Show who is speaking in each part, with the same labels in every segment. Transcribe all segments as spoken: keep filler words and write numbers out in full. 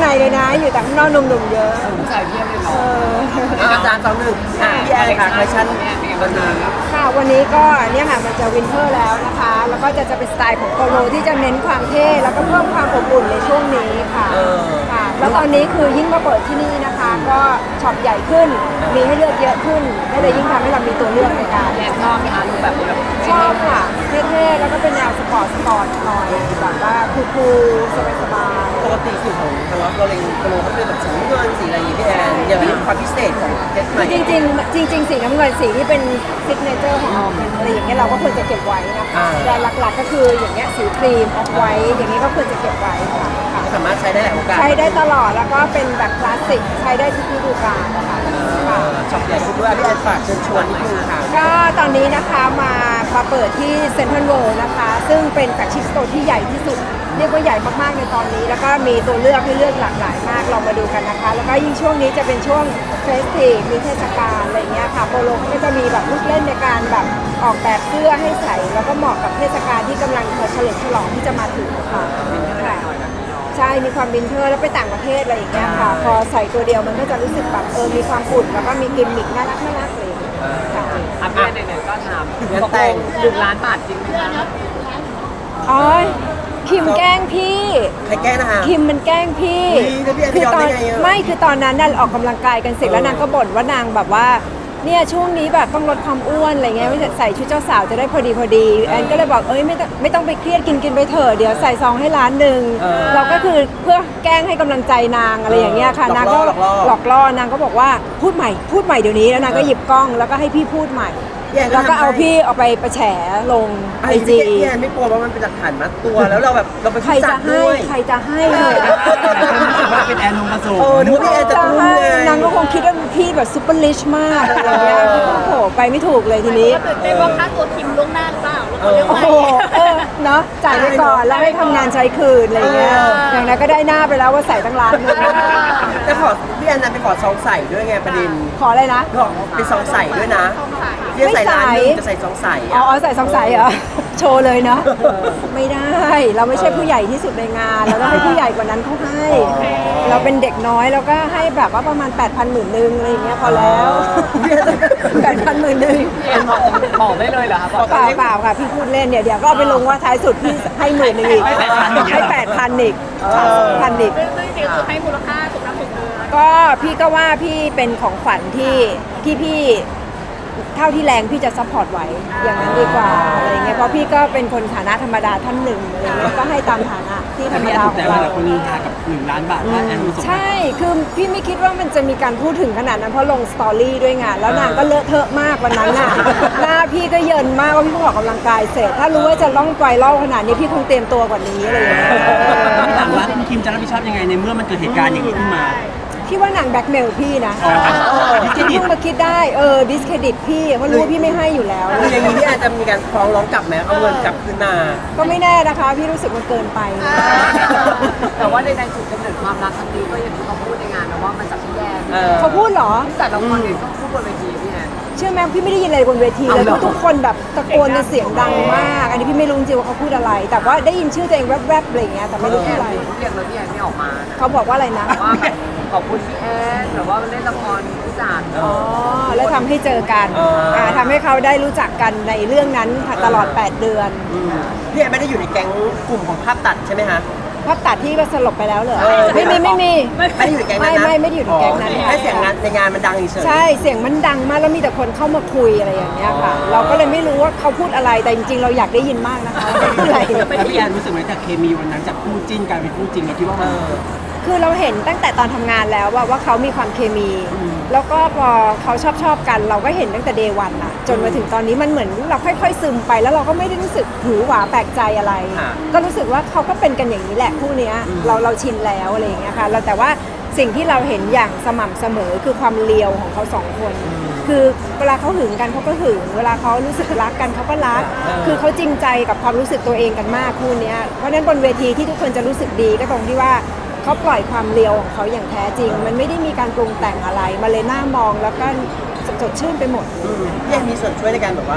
Speaker 1: ในเลยนะอยู่แต่ข้างนอกหนุ่มๆเยอะ
Speaker 2: ใส่เทียบเลยเนาะ
Speaker 1: เออ
Speaker 3: อาจารย์สองหนึ่งพี่แอนค่ะคอลเลคชั่นวันนี้
Speaker 1: ค่ะวันนี้ก็เนี่ยค่ะมันจะวินเทอร์แล้วนะคะ แล้วก็จะจะเป็นสไตล์ของโปโลที่จะเน้นความเท่แล้วก็เพิ่มความอบอุ่นในช่วงนี้ค่ะค่ะ แล้วตอนนี้คือยิ่งมาเปิดที่นี่นะคะ ก็ช็อปใหญ่ขึ้น มีให้เลือกเยอะขึ้นก็เลยยิ่งทำให้เรามีตัวเลือกในการ
Speaker 2: แอนชอบไหมคะรูปแบบนี้แบบ
Speaker 1: ชอบค่ะเท่ๆแล้วก็เป็นแนวสปอร์ตสปอร์ตหน่อยแบบว่าคูลๆสบาย
Speaker 3: ปกติสูตรของทางเราเราเล็งโปรเขาเป็นแบบสีเงินสีอะไรอย่างงี้พี่แอนอย่างนี้ความพิเศษของเซตใหม่
Speaker 1: ๆจริงๆจริง ๆ สีน้ำเงินสีที่เป็นซิกเนเจอร์ของเราเป็นอะไรอย่างเงี้ยเราก็ควรจะเก็บไว้นะคะแต่หลักๆก็คืออย่างเงี้ยสีครีมออกไว้อย่างนี้ก็ควรจะเก็บไว้ค่ะค่ะ
Speaker 3: สามารถใช้ได้หลายโอกาส
Speaker 1: ใช้ได้ตลอดแล้วก็เป็นแบบคลาสสิกใช้ได้ทุกฤดูกาลนะคะค่ะ
Speaker 3: ช็อปใหญ่คุณด้วยพี่แอนฝากเชิญชวนนิดนึงค่ะ
Speaker 1: ก็ตอนนี้นะคะมามาเปิดที่เซ็นทรัลเวิลด์นะคะ ซึ่งเป็นแฟลกชิพสโตร์ที่ใหญ่ที่สุด เรียกว่าใหญ่มากๆในตอนนี้ แล้วก็มีตัวเลือกให้เลือกหลากหลายมากลองมาดูกันนะคะ แล้วก็ยิ่งช่วงนี้จะเป็นช่วงเฟสทีฟมีเทศกาลอะไรเงี้ยค่ะโปโลก็จะมีแบบลูกเล่นในการแบบออกแบบเสื้อให้ใส่แล้วก็เหมาะกับเทศกาลที่กำลังจะเฉลิมฉลองที่จะมาถึงค่ะค่ะใช่มีความวินเทอร์แล้วไปต่างประเทศอะไรอย่างเงี้ยค่ะ พอใส่ตัวเดียวมันก็จะรู้สึกแบบเออมีความอุ่นแล้วก็มีกิมมิคน่ารักน่ารักเลยค่ะ
Speaker 2: อ่ะพี่แอนไหนๆก็ถามตกลงหนึ่งล้านบาทจริงไหมคะ
Speaker 1: อ๋อคิมแกล้งพี่
Speaker 3: ใครแก้นะคะ
Speaker 1: คิมมันแกล้งพี่
Speaker 3: อุ๊ยแล้วพี่แอน
Speaker 1: คื
Speaker 3: ยอม
Speaker 1: ตอ
Speaker 3: ได้
Speaker 1: น
Speaker 3: ไงอะ
Speaker 1: ไม่คือตอนนั้นน่ะออกกำลังกายกันเสร็จแล้วนางก็บ่นว่านางแบบว่าเนี่ยช่วงนี้แบบต้องลดความอ้วนอะไรเงี้ยไม่ใส่ชุดเจ้าสาวจะได้พอดีพอดีแอนก็เลยบอกเอ้ยไม่ต้องไม่ต้องไปเครียดกินกินไปเถอะเดี๋ยวใส่ซองให้ร้านหนึ่งเราก็คือเพื่อแกล้งให้กำลังใจนางอะไรอย่างเงี้ยค่ะนางก็หลอกล่อนางก็บอกว่าพูดใหม่พูดใหม่เดี๋ยวนี้แล้วนางก็หยิบกล้องแล้วก็ให้พี่พูดใหม่แล้วก็เอาพี่เอาไปประแฉลงไอ
Speaker 3: ไอ้
Speaker 1: จี
Speaker 3: พี่แอนไม่กลัวว่ามันเป็นหลักฐานมัดตัวแล้วเราแบบเราเป็น
Speaker 1: ใคร
Speaker 3: ผู้จั
Speaker 1: จะ
Speaker 3: ด
Speaker 1: ให้
Speaker 3: ด้วย
Speaker 1: ใครจะให้เลย
Speaker 4: รู้สึกว่าเป็นแอนนงผสม
Speaker 3: เออนึกว่าพี่แอนจะ
Speaker 1: จะ
Speaker 3: รู้
Speaker 1: ให้
Speaker 3: ไง
Speaker 1: นางก็คงคิดว่าพี่แบบซุปเปอร์ลิชมากอะไรอย่างเงี้ยโอ้โหไปไม่ถูกเลยทีนี้
Speaker 5: ตื่นเต้นว่าค่าตัวคิมล่วงหน้าหรือเปล่าแล้ว
Speaker 3: เอ
Speaker 5: เขา
Speaker 3: อ
Speaker 5: เรียก
Speaker 1: โอ้
Speaker 5: ว่า
Speaker 1: โหเออเนาะจ่ายไปก่อนแล้วให้ทำงานใช้คืนอะไรอย่างเงี้ยอย่างนั้นก็ได้หน้าไปแล้วว่าใส่ตั้งร้านหนึง
Speaker 3: แต่ขอพี่แอนนั้นไปขอซองใส่ด้วยไงประเด็น
Speaker 1: ขออะไรนะ
Speaker 3: บอกเป็นซองใส่ด้วยนะพี่ใส่ร้านหนึงจะใส่ซองใส่
Speaker 1: อ๋อ
Speaker 3: อะ
Speaker 1: อ๋อใส่สองสายเหรอ โชว์เลยเนาะไม่ได้เราไม่ใช่ผู้ใหญ่ที่สุดในงานเราต้องให้ผู้ใหญ่กว่านั้นเขาให้ เราเป็นเด็กน้อยเราก็ให้แบบว่าประมาณแปดพันหมื่นหนึ่งอะไรอย่างเงี้ยพอแล้วแปดพันหมื่นหนึ่ง
Speaker 2: พี่แอนบอกบอกได้เลยเหรอคะบอก
Speaker 1: เปล่าเปล่าค่ะพี่พูดเล่นเนี่ยเดี๋ยวก็เอาไปลงว่าท้ายสุดพี่ให้หมื่นหนึ่งอีกให้แปดพันอีกพันอีก
Speaker 5: ซึ่งซึ่งจริงๆคือให้มูลค่าสมน้ำสมเนื้อ
Speaker 1: ก็พี่ก็ว่าพี่เป็นของขวัญที่ที่พี่เท่าที่แรงพี่จะซัพพอร์ตไหวอย่างนั้นดีกว่าอะไรเงี้ยเพราะพี่ก็เป็นคนฐานะธรรมดาท่านหนึ่งอะไรเงี้ยก็ให้ตามฐานะที่ธ
Speaker 4: แต่
Speaker 1: รรม
Speaker 4: พี่แอน
Speaker 1: ดา
Speaker 4: ถู
Speaker 1: ข
Speaker 4: ก
Speaker 1: อง
Speaker 4: ใจว่า
Speaker 1: เรา
Speaker 4: หลายคนนินทากับหนึ่งล้านบาทว่าแอนผสม
Speaker 1: ใช่ คือพี่ไม่คิดว่ามันจะมีการพูดถึงขนาดนั้นเพราะลงสตอรี่ด้วยไงแล้วนางก็เลอะเทอะมากวันนั้นน่ะ หน้าพี่ก็เยินมากว่าพี่เพิ่งออกกำลังกายเสร็จ ถ้ารู้ว่าจะล่องไกวล่องขนาดนี้พี่คงเตรียมตัวกว่านี้อะไรอย่างเงี้ย
Speaker 4: พี่ถามว่าคุณคิมจะรับผิดชอบยังไงในเมื่อมันเกิดเหตุการณ์อย่างนี้ขึ้นมา
Speaker 1: พี่ว่านางแบล็กเมลพี่นะ
Speaker 4: อ๋อดิสเครดิต
Speaker 1: เพิ่งมาคิดได้เออดิสเครดิตพี่เพราะรู้ว่าพี่ไม่ให้อยู่แล้ว
Speaker 3: คืออย่างนี้พี่แอนจะมีการฟ้องร้องกลับไหมเอาเงินกลับคืนมา
Speaker 1: ก็ไม่แน่นะคะ พี่รู้สึกมันเกินไป
Speaker 2: แต่ว่าในในจุดกำเนิดความรักครั้งนี้ก็อย่างที่เขาพูดในงานนะว่ามันจากพี่แอน
Speaker 3: เออ
Speaker 1: เขาพูดเหรอ
Speaker 2: แต่ละคนเนี่ยก็พูดบนเวทีพี่แอน
Speaker 1: เชื่อไหมพี่ไม่ได้ยินอะไรบนเวทีเลย
Speaker 2: เอาเหรอ
Speaker 1: ทุกคนแบบตะโกนกันเสียงดังมาก อันนี้พี่ไม่รู้จริงว่าเขาพูดอะไร แต่ว่าได้ยินชื่อตัวเองแวบๆอะไรอย่างเงี้ยแต่ไม่รู้
Speaker 2: พี่
Speaker 1: พู
Speaker 2: แอ
Speaker 1: ด
Speaker 2: น
Speaker 1: อะไร
Speaker 2: เรียกแล้วพี่แอนไม่ออกมานะ
Speaker 1: เขาบอกว่าอะไรนะ
Speaker 2: ว่าแบบขอบคุณพี่แอนหรือว่าเล่นละครผู้จัด
Speaker 1: อ๋อแล้วทำให้เจอกัน
Speaker 3: เอออ่
Speaker 1: าทำให้เขาได้รู้จักกันในเรื่องนั้นตลอดแปดเดือน
Speaker 3: อืมพี่แอนไม่ได้อยู่ในแก๊งกลุ่มของภาพตัดใช่ไหมคะ
Speaker 1: ภาพตัดที่ก็สลบไปแล้วเหรอ
Speaker 3: เออ
Speaker 1: ไม่มีไม่มี
Speaker 3: ไม่ได้อยู่ในแก๊งนั้นนะ
Speaker 1: ไม่ไม่ไม่ได้อยู่ในแก๊งนั้น
Speaker 3: อ๋อแค่เสียงงานในงานมันดังเฉยๆ
Speaker 1: ใช่เสียงมันดังมากแล้วมีแต่คนเข้ามาคุยอะไรอย่างเงี้ยค่ะ เราก็เลยไม่รู้ว่าเขาพูดอะไรแต่จริงๆ เราอยากได้ยินมากนะคะว่าพูดอะไร
Speaker 4: แล้วพี่แอนรู้สึกไหมจากเคมีวันนั้นจากคู่จิ้นกลายเป็นคู่จริงเราคิดว่า
Speaker 3: เอ
Speaker 4: มัน
Speaker 3: อ
Speaker 1: คือเราเห็นตั้งแต่ตอนทำงานแล้วว่าว่าเขามีความเคมี แล้วก็พอเขาชอบชอบกัน เราก็เห็นตั้งแต่เดย์วันอะจนมาถึงตอนนี้มันเหมือนเราค่อยๆซึมไปแล้วเราก็ไม่ได้รู้สึกหือหวาแปลกใจอะไร
Speaker 3: ค่ะ
Speaker 1: ก็รู้สึกว่าเขาก็เป็นกันอย่างนี้แหละคู่เนี้ยเราเราชินแล้วอะไรอย่างเงี้ยค่ะเราแต่ว่าสิ่งที่เราเห็นอย่างสม่ำเสมอคือความเลียวของเขาสองคน คือเวลาเขาหึงกันเขาก็หึงเวลาเขารู้สึกรักกันเขาก็รัก คือเขาจริงใจกับความรู้สึกตัวเองกันมากคู่เนี้ยเพราะฉะนั้นบนเวทีที่ทุกคนจะรู้สึกดีก็ตรงที่ว่าเขาปล่อยความเลียวของเขาอย่างแท้จริง มันไม่ได้มีการปรุงแต่งอะไรมาเลยหน้ามองแล้วก็สดชื่นไปหมด
Speaker 3: อืมพี่แอนมีส่วนช่วยในการแบบว่า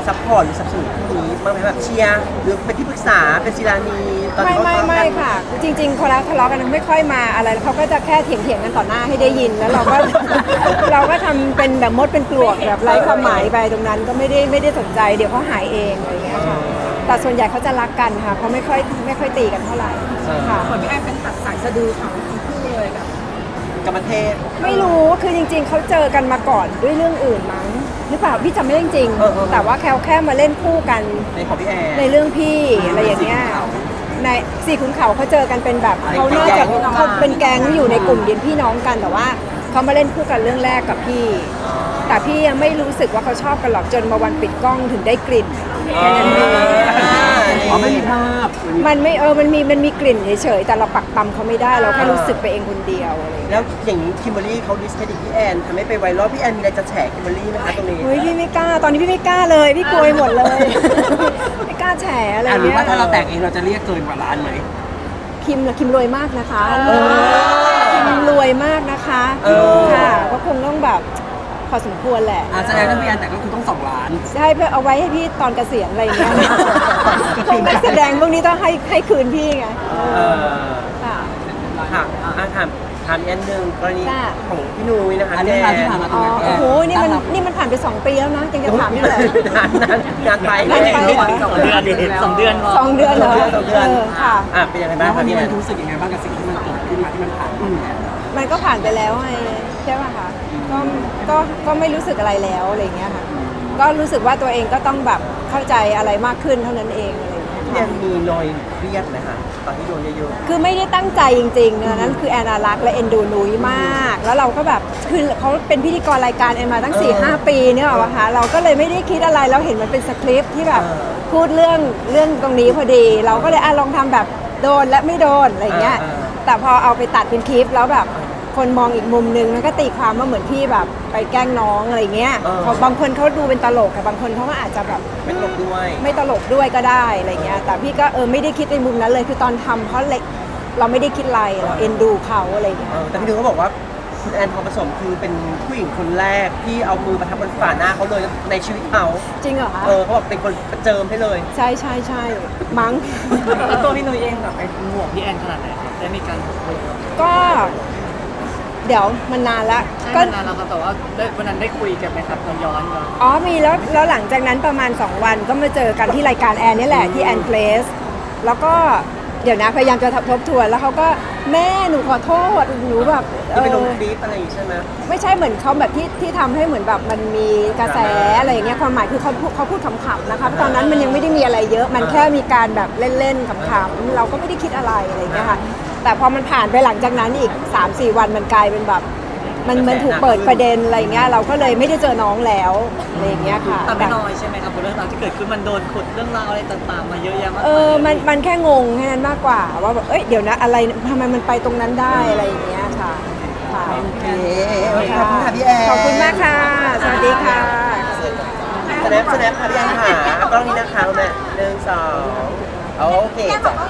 Speaker 3: ซัพพอร์ตหรือสนับสนุนคู่นี้บ้างไหมแบบเชียร์หรือเป็นที่ปรึกษาเป็นศิลานีตอน
Speaker 1: ไม่
Speaker 3: ที่เขา
Speaker 1: ไม่
Speaker 3: ทะเลาะ
Speaker 1: ไม่
Speaker 3: กัน
Speaker 1: ค่ะ จริงๆคนละทะเลาะกันไม่ค่อยมาอะไรเขาก็จะแค่เถียงเถียงๆกันต่อหน้าให้ได้ยินแล้วเราก็ เราก็ทำเป็นแบบมดเป็นปลวกแบบไร้ความหมายไปตรงนั้นก็ไม่ได้ไม่ได้สนใจเดี๋ยวเขาหายเองอะไรอย่างเงี้ยค่ะแต่ส่วนใหญ่เขาจะรักกันค่ะเขาไม่ค่อยไม่ค่อยตีกันเท่าไหร่ค่ะ
Speaker 2: เหมือนพี่แอนเป็นตัดสายสะดือเขาทั้งคู่เลยแบบ
Speaker 3: กับประเทศ
Speaker 1: ไม่รู้คือจริง ๆเขาเจอกันมาก่อนด้วยเรื่องอื่นมั้งหรือเปล่าพี่จำไม่ได้จริงๆ
Speaker 3: เออเออ
Speaker 1: แต่ว่าแค่แค่มาเล่นคู่กัน
Speaker 3: ในของพี่แอน
Speaker 1: ในเรื่องพี่อะไรอย่างเงี้ยในสี่ขุนเขาเขาเจอกันเป็นแบบ
Speaker 3: เป็น
Speaker 1: เขาน่า
Speaker 3: แก๊
Speaker 1: จะ
Speaker 3: ง
Speaker 1: เขาเป็นแก๊งอยู่ในกลุ่มเดียนพี่น้องกันแต่ว่าเขามาเล่นคู่กันเรื่องแรกกับพี่ แต่พี่ยังไม่รู้สึกว่าเขาชอบกันหรอกจนมาวันปิดกล้องถึงได้กลิ่นแค่นั้นเอง
Speaker 4: อ๋อไม่มีภาพ
Speaker 1: มันไม่เออมันมีมันมีกลิ่นเฉยๆแต่เราปักตำเขาไม่ได้เราแค่รู้สึกไปเองคนเดียวอะไรอย่างเงี้ย
Speaker 3: แล้วอย่างนี้คิมเบอรรี่เขาดิสเครดิตพี่แอนทำให้ไปไวรัลพี่แอนมีอะไรจะแฉคิมเบอรรี่ไหมคะตรงนี้
Speaker 1: เฮ้ยพี่ไม่กล้าตอนนี้พี่ไม่กล้าเลยพี่กลัวไปหมดเลย ไม่กล้าแฉอะไร
Speaker 4: อ่ะหรือ
Speaker 1: เงี้ย
Speaker 4: ว่าถ้าเราแต่งเองเราจะเรียกเกินกว่าล้านไหม
Speaker 1: คิมล่ะคิมรวยมากนะคะ
Speaker 3: เออ
Speaker 1: คิมรวยมากนะคะ
Speaker 3: เออ
Speaker 1: ค่ะก็คงต้องแบบพอสมควรแหละ
Speaker 4: อ่ะแสดงว่าพี่แอนแต่งก็คือต้องสองล้าน
Speaker 1: ใช่เพื่อเอาไว้ให้พี่ตอนเกษียณอะไรอย่างเงี้ยพวกนักแสดงพวกนี้ต้องให้ให้คืนพี่ไง
Speaker 3: เออ
Speaker 1: ค่ะ
Speaker 3: ค่ะอ่ะถามถามอีกอันหนึ่งกรณี
Speaker 1: จ้ะ
Speaker 3: ของพี่นุ้ยนะคะ
Speaker 4: อันเรื่องราวที่ผ่านมา
Speaker 1: อ๋อโอ้โหนี่มันนี่มันผ่านไปสองปีแล้วนะยังจะถามนี่เลย
Speaker 3: งานนั้นงานไป
Speaker 1: งานไปเหรอ
Speaker 2: สองเดือนสองเดือน
Speaker 1: สองเดือนเหรอ
Speaker 3: สองเดือน
Speaker 1: เออค่ะ
Speaker 3: อ่ะเป็นยังไง
Speaker 4: แล้
Speaker 3: บ้าง
Speaker 4: ววั
Speaker 3: คะ
Speaker 4: นนี้
Speaker 3: พี่แอ
Speaker 4: มัน
Speaker 3: น
Speaker 4: รู้สึกยังไงบ้างกับสิ่งที่มันเกิดขึ้นมาที่มันผ่านมาเนี่ย
Speaker 1: มันก็ผ่านไปแล้วไงใช่ป่ะคะก็ก็ก็ไม่รู้สึกอะไรแล้วอะไรอย่างเงี้ยค่ะก็รู้สึกว่าตัวเองก็ต้องแบบเข้าใจอะไรมากขึ้นเท่านั้นเองอะไรอย่างเงี้ย
Speaker 3: พี่แอนมีนอยเครียดไหมคะตอนที่โดนเยอะ
Speaker 1: คือไม่ได้ตั้งใจจริงๆนะนั้นคือแอนนารักและเอ็นดูนุ้ยมาก แล้วเราก็แบบคือเขาเป็นพิธีกรรายการแอนมาตั้ง 4 5 ปีเนี่ยหรอวะคะเราก็เลยไม่ได้คิดอะไรเราเห็นมันเป็นสคริปต์ที่แบบพูดเรื่องเรื่องตรงนี้พอดี เราก็เลยอ่ะลองทำแบบโดนและไม่โดนอะไรอย่างเงี้ยแต่พอเอาไปตัดเป็นคลิปแล้วแบบคนมองอีกมุมนึงมันก็ตีความว่าเหมือนพี่แบบไปแกล้งน้องอะไรเงี้ยพอบางคนเขาดูเป็นตลกแต่บางคนเขาก็อาจจะแบบ
Speaker 3: ๆไม่ตกด้วย
Speaker 1: ไม่ตลกด้วยก็ได้อะไรเงี้ย แต่พี่ก็เออไม่ได้คิดในมุมนั้นเลย คือตอนทำเพราะเล็กเราไม่ได้คิดอะไรเราเอ็นดูเขาอะไรเงี้ย
Speaker 3: เออแต่พี่นุ้ยเขาบอกว่าคุณแอนทองผสมคือเป็นผู้หญิงคนแรกที่เอามือมาทับบนฝ่าหน้าเขาเลยในชีวิตเขา
Speaker 1: จริงเหรอคะ
Speaker 3: เออเขาบอกเป็นคนประเจิมให้เลย
Speaker 1: ใช่ใช่ใช่มั้ง
Speaker 2: แล้วตัวพี่นุ้ยเองแบบเป็นห่วงพี่แอนขนาดไหนครับได้มีการคุยกัน
Speaker 1: ก็ เดี๋ยวมันนานละ
Speaker 2: ก็
Speaker 1: ก็
Speaker 2: นานแล้วครับแต่ว่าได้วันนั้นได้คุยกันไหมครับตอนย้อนย้อน
Speaker 1: อ๋อมีแล้วแล้วหลังจากนั้นประมาณ สอง วันก็มาเจอกันที่รายการแอนนี่แหละที่แอนเพลสแล้วก็เดี๋ยวนะพยายามจะทบทวนแล้วเขาก็แม่หนูขอโทษหนูแบบเอ
Speaker 3: ที่ไปลง
Speaker 1: อ
Speaker 3: คลิปอะไรอย่างงี้ใช่ไหม
Speaker 1: ไม่ใช่เหมือนเขาแบบที่ที่ทำให้เหมือนแบบมันมีกระแสอะไรอย่างเงี้ยความหมายคือเขาพูดเขาพูดขำๆนะคะเพราะตอนนั้นมันยังไม่ได้มีอะไรเยอะ มันแค่มีการแบบเล่นๆขำๆเราก็ไม่ได้คิดอะไรอะไรอย่างเงี้ยค่ะแต่พอมันผ่านไปหลังจากนั้นอีก สามสี่ วันมันกลายเป็นแบบมันมันถูกเปิดประเด็นอะไรอย่างเงี้ยเราก็เลยไม่ได้เจอน้องแล้วอะไรอย่างเงี้ยค่ะ
Speaker 2: แต่ไม่น้อยใช่ไหมครับเรื่องราวที่เกิดขึ้นมันโดนขุดเรื่องราวอะไรต่างๆมาเยอะแยะมาก
Speaker 1: เออมันมันแค่งงแค่นั้นมากกว่าว่าแบบเอ้ยเดี๋ยวนะอะไรทำไมมันไปตรงนั้นได้อะไรอย่างเงี้ยค่ะค่ะ
Speaker 3: โอเคขอบคุณค่ะพี่แอน
Speaker 1: ขอบคุณมากค่ะ สวัสดีค่ะ
Speaker 3: สแนปสแนปค่ะพี่แอนค่ะเอากล้องนี้นะคะคุณแม่หนึ่งสองโอเคจ้ะ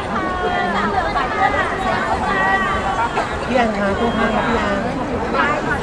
Speaker 3: พี่แอนค่ะตู้ข้างค่ะพี่แอน